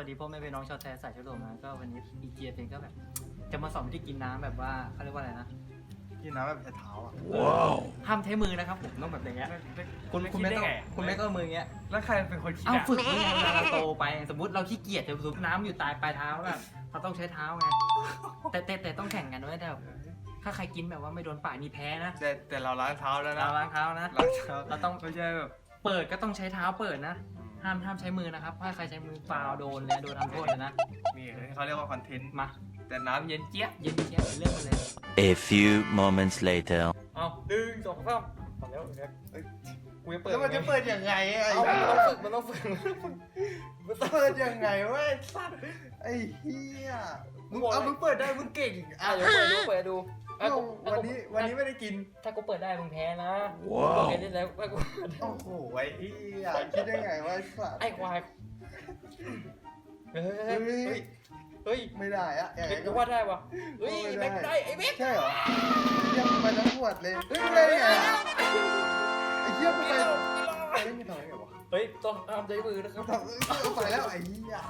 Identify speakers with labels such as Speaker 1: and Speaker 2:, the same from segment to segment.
Speaker 1: ดีพ่อแม่พี่น้องชาวไทยสายชโลมนะก็วันนี้อีเจียเป็นก็แบบจะมาสอนวิธีกินน้ำแบบว่าเขาเรียกว่าอะไรนะ
Speaker 2: กินน้ำแบบใช้เท้าอ่ะ
Speaker 1: ห้ามใช้มือนะครับผมต้องแบบอย่างเงี้ยคุณไม่ต้องเอามืออย่างเงี้ย
Speaker 2: แล้วใครเป็นคนคิด
Speaker 1: เอาฝึกยังไงเวลาเราโตไปสมมติเราขี้เกียจจะสูบน้ำอยู่ปลายเท้าแบบเราต้องใช้เท้าไงแต่ต้องแข่งกันด้วยแต่ถ้าใครกินแบบว่าไม่โดนปากนี่แพ้นะ
Speaker 2: แต่เราล้างเท้าแล้วนะ
Speaker 1: เราล้างเท้านะ
Speaker 2: ล้างเท้า
Speaker 1: เราต้อง
Speaker 2: ไม่ใช่แบบ
Speaker 1: เปิดก็ต้องใช้เท้าเปิดนะห้ามใช้มือนะครับถ้าใครใช้มือฟาวโดนเลยโดนทำโทษเลยนะ
Speaker 2: นี่เขาเรียกว่าคอนเทนต์
Speaker 1: มา
Speaker 2: แต่น้ำเย็นเจี๊ยบ
Speaker 1: เย็นเชียบเรื่องมันเลย
Speaker 3: A few moments later.
Speaker 1: เอา1 2 3พอแล้วกูจะเปิด
Speaker 2: แล้วมันจะเปิดยังไงไอ้
Speaker 1: เอามันต้องฝึก
Speaker 2: มันเปิดยังไงวะไอ้สัตว์ไอ้เหี้ยมึงเปิดได้มึงเก่ง
Speaker 1: เดี๋ยวเปิดดู
Speaker 2: วันนี้ไม่ได้กิน
Speaker 1: ถ้ากูเปิดได้มึงแพ้นะ
Speaker 3: ว้าว
Speaker 1: เล่นแล้วกู
Speaker 2: โอ้โหไอ้เหี้ยคิดได้ไงวะไอ้สัตว์
Speaker 1: ไอ้ควายเฮ้ย
Speaker 2: ไม่ได้อะอย่าง
Speaker 1: เฮ้
Speaker 2: ไร
Speaker 1: ย
Speaker 2: ก็
Speaker 1: กูว่าได้วะเฮ้ยแม็กได้ไอ้แม็ก
Speaker 2: ใช่เหรอยังไปทั้งขวดเลยเฮ้ยไม่ได้ไงไอ้เหี้ยกูไปไม่ทำไงวะ
Speaker 1: เฮ้ยต้องห้ามใช้มือนะครับ
Speaker 2: ไปแล้วไอ้เหี้ย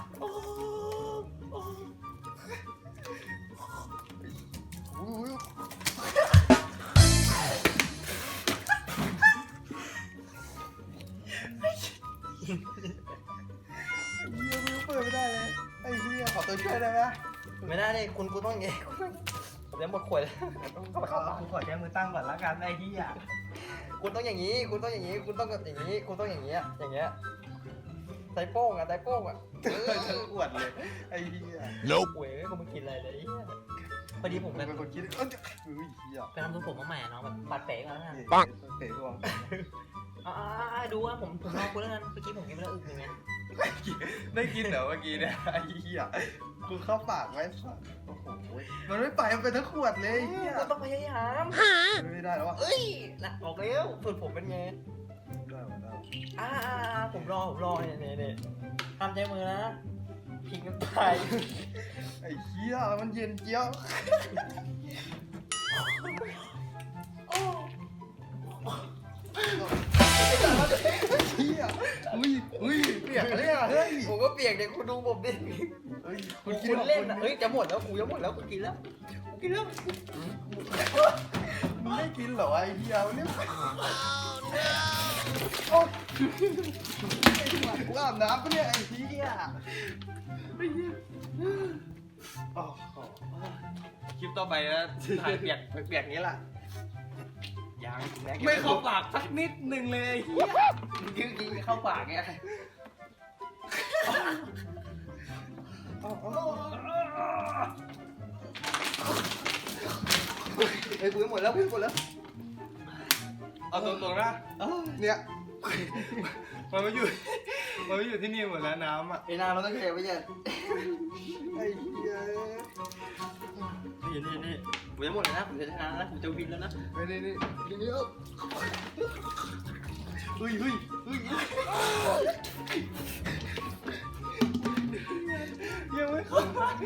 Speaker 2: อุ้ยเหี้ยมึงเปิดไม่ได้เลยไอ้เหี้ยขอตัวช่วยได้ไหม
Speaker 1: ไม่ได้เลยคุณต้องอย่างงี้ผมยังหมดขวดแล้วต้องเข้าไปเข้าปาก
Speaker 2: กูขอใช้มือตั้งก่อนละกันไอ้เหี้ย
Speaker 1: คุณต้องอย่างนี้คุณต้องแบบอย่างนี้คุณต้องอย่างเงี้ยไตโป้งอ่ะ
Speaker 2: ฉันอวดเลยไอ้เหี้ย
Speaker 3: Nope.
Speaker 1: โอ้ยกูมากินอะไรเลยพอดีผม
Speaker 2: เป็
Speaker 1: เป็น
Speaker 2: นคนคิดเฮ้ยเหี้ย
Speaker 1: ไปทำทรงผมมาใหม่อะน้องแบบปัดเป๋ก่อนแล้วกัน
Speaker 3: ปัง
Speaker 2: เตะดวง
Speaker 1: ดูว่าผมลองคุณแล้วกันเมื่อกี้ผมกินไปแล้วอึกหนึ่งไง
Speaker 2: ได้กินเหรอเมื่อกี้เนี่ยไอ้เหี้ยกูเข้าปากไว้สัสโอ้โหมันไม่ไปมันเป็นทั้งขวดเลยไอ้เหี้ย
Speaker 1: ก็ต้องพยายาม
Speaker 2: ไม่ได้แล้ววะ
Speaker 1: เอ้ยนะออกแล้วสูตรผมเป็นไง
Speaker 2: ได้ได้
Speaker 1: ผมรอเนี่ยทำใจมือนะพิงกันไป
Speaker 2: ไอ้เหี้ยมันเย็นเจี๊ยบเหี้ยอุ้ยเปียกเลยอ่ะเฮ้ย
Speaker 1: ผมก็เปียกเด็กคุณดูผมดิ
Speaker 2: เฮ้ย
Speaker 1: คุณเล่นนะเฮ้ยจะหมดแล้วกูจะหมดแล้วกูกินแล้ว
Speaker 2: มึงไม่กินเหรอไอ้เหี้ยเนี่ยโอ้ไอ้หมากูอาบน้ำปะเนี่ยไอ้เหี้ยไอ้เหี้ยคลิปต่อไปนะถ่ายเปียกนี้แหละยังไม่เข้าปากสักนิดหนึ่งเลยเฮียกินเข้าปากไงเฮ้ยกูหมดแล้วเอาตรงๆนะเนี่ยมันไม่อยู่ที่นี่หมดแล้วน้ำอ่ะ
Speaker 1: ไอ้นาเราต้องเก็บไว้เยอะ
Speaker 2: ไอ้เหี้ย
Speaker 1: นี่ผมจะหมดเลยนะผมจะชนะแล้วผมจะวินแล้วนะ
Speaker 2: ไปนี่เฮ้ยยังไม่เข้า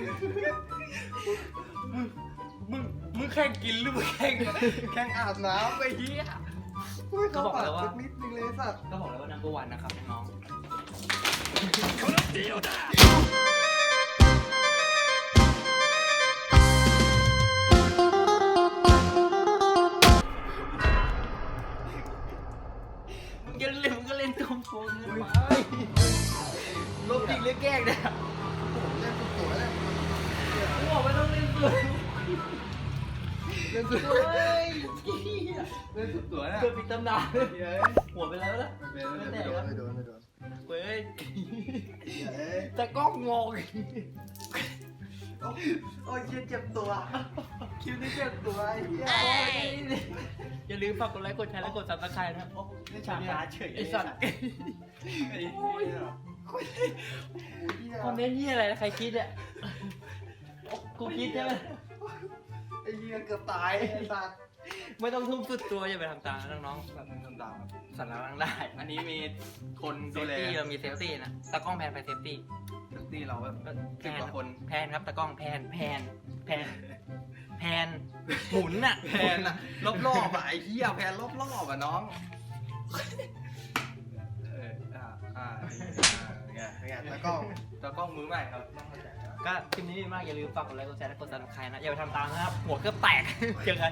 Speaker 2: มึงแข่งกินหรือมึงแข่งอาบน้ำไปเฮียไม่เข้าปากสักนิดนึงเลยสัตว์
Speaker 1: ก็บอกแล้วว่านัมเบอร์วันนะครับน้องมึงก็เล่นตัวโกงเลยลบจริงหรือแกล้งเนี่ย
Speaker 2: เล่นสุดตัวเลย
Speaker 1: กูบอกไม่ต้องเล่นตัว
Speaker 2: เล่นสุดตัวเล่นสุดตัวเนี่ย
Speaker 1: เกิดปิดตำนานหัวไปแล้วนะ
Speaker 2: ไม่โดน
Speaker 1: เว้ยแต่กล้องงง
Speaker 2: โอ้ยเจ็บตัวคิวนี่เจ็บตัวไอ้เหี้ย
Speaker 1: อย่าลืมฝากกดไลค์กดแชร์และกดซับสไครต์นะครับ
Speaker 2: นี่ฉากตาเฉย
Speaker 1: ไอ้สัตว์
Speaker 2: ไอ้เหี้ย
Speaker 1: คอมเมนต์นี่อะไรนะใครคิดอ่ะกูคิดใช่ไหม
Speaker 2: ไอ้เหี้ยเกือบตายไอ้สัตว์
Speaker 1: ไม่ต้องทุ่มสุดตัวอย่าไปทำตามน้องๆแบบ
Speaker 2: ทำตาม
Speaker 1: สันหลังได้
Speaker 2: อันนี้มีคน
Speaker 1: เซ
Speaker 2: ดู
Speaker 1: ฟ
Speaker 2: แล
Speaker 1: ตี้เรามีเซฟตี้นะตากล้องแพนไปเซฟตี้
Speaker 2: ที่เราแบบ
Speaker 1: แพ
Speaker 2: สิบ
Speaker 1: น
Speaker 2: กว่าคน
Speaker 1: แพนครับตากล้องแพนหมุนน่ะ
Speaker 2: แพนอะรอบๆอะไอ้เหี้ยแพนรอบๆอะน้องไงแล้วก็มือใหม่ครับ
Speaker 1: ก็คลิปนี้ดีมากอย่าลืมฝากกดไลค์กดแชร์และกดซับสไครต์นะอย่าไปทำตามนะครับหัวเกือบแตกเจอกัน